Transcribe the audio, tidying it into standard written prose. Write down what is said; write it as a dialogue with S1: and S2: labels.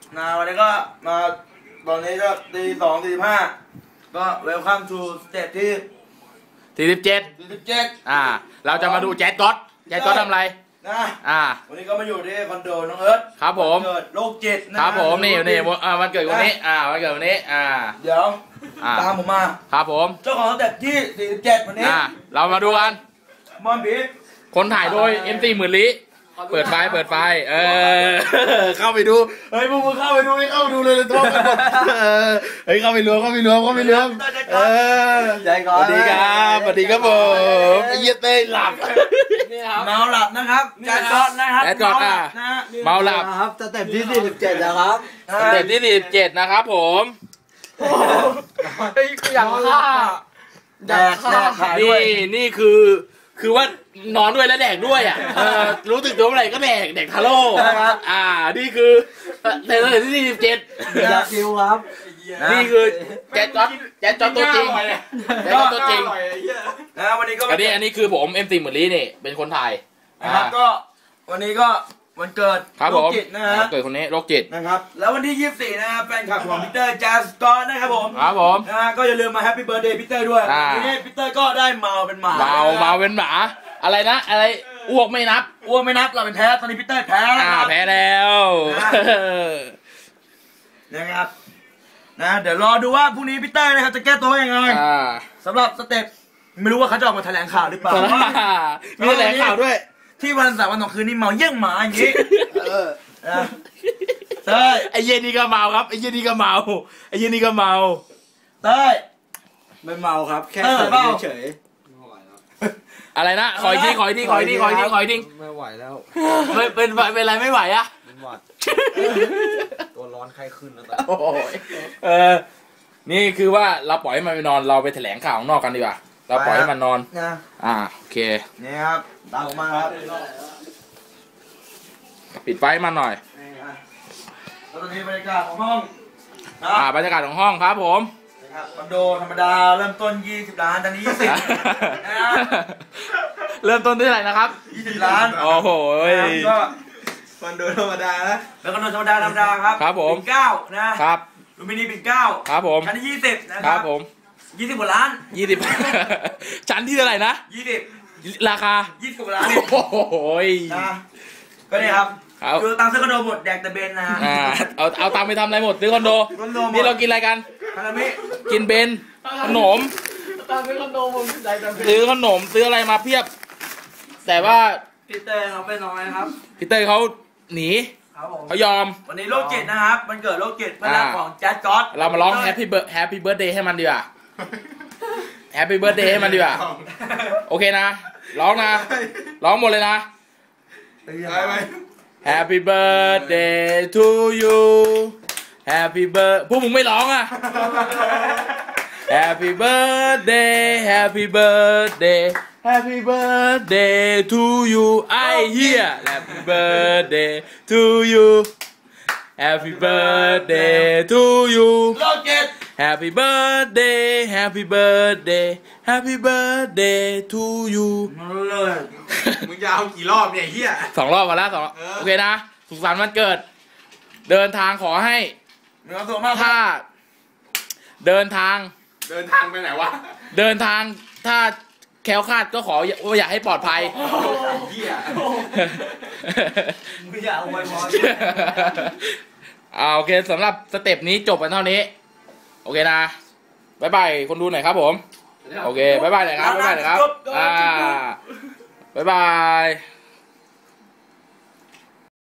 S1: วันนี้ก็มาตอนนี้ก็ตี2:45ก็เวลคัมทูสเตจที่47
S2: เราจะมาดูแจ๊ดก๊อตทำอะไร
S1: นะวันนี้ก็มาอยู่ที่คอนโดน้องเอิร์ธ
S2: ครับผม
S1: เกิดโรคจิตนะครับ
S2: ผมนี่วันเกิดวันนี้วันเกิดวันนี้
S1: เดี๋ยวตามผมมา
S2: ครับผม
S1: เจ้าของสเตจที่47วันนี้
S2: เรามาดูกัน
S1: มอนบี
S2: คนถ่ายโดย MC หมื่นลี้เปิดไฟเข้าไปดูเฮ้ยพวกมึงเข้าไปดูเลยโทษกันหมดเฮ้ยเข้าไปรวม
S1: ใจก่อน
S2: สวัสดีครับผมเยี่ยเต้หลับ
S1: เมาหลับนะครับแจ๊ดก๊อตนะครับ
S2: แจ๊ดก๊อตเมาหลับ
S1: ครับสเต็ปที่47นะครับ
S2: สเต็ปที่47นะครับผม
S1: อย่างฆ่าแดก
S2: นี่คือว่านอนด้วยและแดกด้วยรู้สึกตัวเมื่อไหร่ก็แดกทาโร่นี่คือในสเต็ปที่47
S1: อยากคิวครับ
S2: นี่คือแจ๊ดก๊อตตัวจริง
S1: วันนี้ก็
S2: อันนี้คือผม MC หมื่นลี้นี่เป็นคนถ่าย
S1: นะครับก็วันนี้ก็วันเกิด
S2: โรคจิตนะฮะเกิดคนนี้โรคจิต
S1: นะครับแล้ววันที่24นะครับแฟนคลับของพีเตอร์แจ๊ดก๊อตนะครับผมก็อย่าลืมมาแฮปปี้เบิร์ธเดย์พีเตอร์ด้วยวันนี้พีเตอร์ก็ได้เมาเป็นหมา
S2: เป็นหมาอะไรนะอะไรอ้วกไม่นับ
S1: เราเป็นแพ้ตอนนี้พีเตอร์แพ้
S2: แพ้แล้ว
S1: นะครับเดี๋ยวรอดูว่าพรุ่งนี้พีเตอร์นะครับจะแก้ตัวยังไงสำหรับสเต็ปไม่รู้ว่าเขาจะออกมาแถลงข่าวหรือเปล่า
S2: มีแถลงข่าวด้วย
S1: ที่วัน3 วัน 2 คืนนี่เมาเยี่ยงหมาอย่างนี้ใช่
S2: ไอ้เย็นนี่ก็เมาครับไอ้เย็นนี่ก็เมา
S1: เต้ไม่เมาครับแค่เฉย
S2: อะไรนะขออีกทีไม่ไหว
S1: แล้ว
S2: เป็นไรไม่ไหวอะ
S1: เป็นหวัดตัวร้อนไข้ขึ้นแล้ว
S2: นี่คือว่าเราปล่อยให้มันไปนอนเราไปแถลงข่าวข้างนอกกันดีกว่าเราปล่อยให้มันนอนโอเค
S1: นี่ครับตามมาครับ
S2: ปิดไฟมันหน่อย
S1: แล้วตอนนี้บรรยากาศของห้อง
S2: บรรยากาศของห้องครับผม
S1: คอนโดธรรมดาเริ่มต้น20 ล้านตอนนี้
S2: เริ่มต้นที่เท่าไหร่นะครับ
S1: 20 ล้าน
S2: โอ้โห
S1: ก็คอนโดธรรมดานะแล้วคอนโดธรรมดา
S2: ครับผม
S1: ปิ่นเกล้านะครับลูมินีปิ่นเกล้า
S2: ครับผม
S1: ชั้นที่20
S2: นะครับผม
S1: 20 กว่าล้าน
S2: ชั้นที่เท่าไหร่นะ
S1: 20ราคา20 กว่าล้าน
S2: โอ้โห
S1: ก็เนี่ยครับคือตังค์ซื้อคอนโดหมดแดกแต่เบนนะ
S2: เอาตังค์ไปทำอะไรหมดซื้อคอนโดนี่เรากินอะไรกันกินเบนขนม
S1: ซื้อคอนโดผม
S2: ซื้อขนมซื้ออะไรมาเพียบแต่ว่า
S1: พีเตอร์เขาไปน้อยครับ
S2: พีเตอร์เขาหนีเขายอม
S1: วันนี้โรคจิตนะครับมันเกิดโรคจิตเพื่อนของแจ๊ดก๊อต
S2: เรามาร้องแฮปปี้เบิร์ธเดย์ให้มันดีกว่าแฮปปี้เบิร์ธเดย์ให้มันดีกว่าโอเคนะร้องหมดเลยนะHappy birthday to you Happy birthday พวกมึงไม่ร้องอ่ะ Happy birthday Happy birthday Happy birthday to you I hear Happy birthday to you Happy birthday to you Happy birthday Happy birthday Happy birthday to you
S1: มึงจะเอากี่รอบเนี่ยเฮีย
S2: 2 รอบมาแล้วโอเคนะสุขสันต์วันเกิดเดินทางขอให้ถ้าเดินทาง
S1: ไปไหนวะ
S2: เดินทางถ้าแคล้วคลาดก็ขออยากให้ปลอดภัย
S1: เฮียมึงอย่าเอาไว้พ
S2: อโอเคสำหรับสเต็ปนี้จบกันเท่านี้โอเคนะบ๊ายบายคนดูหน่อยครับผมโอเคบ๊ายบายหน่อยครับบ๊ายบาย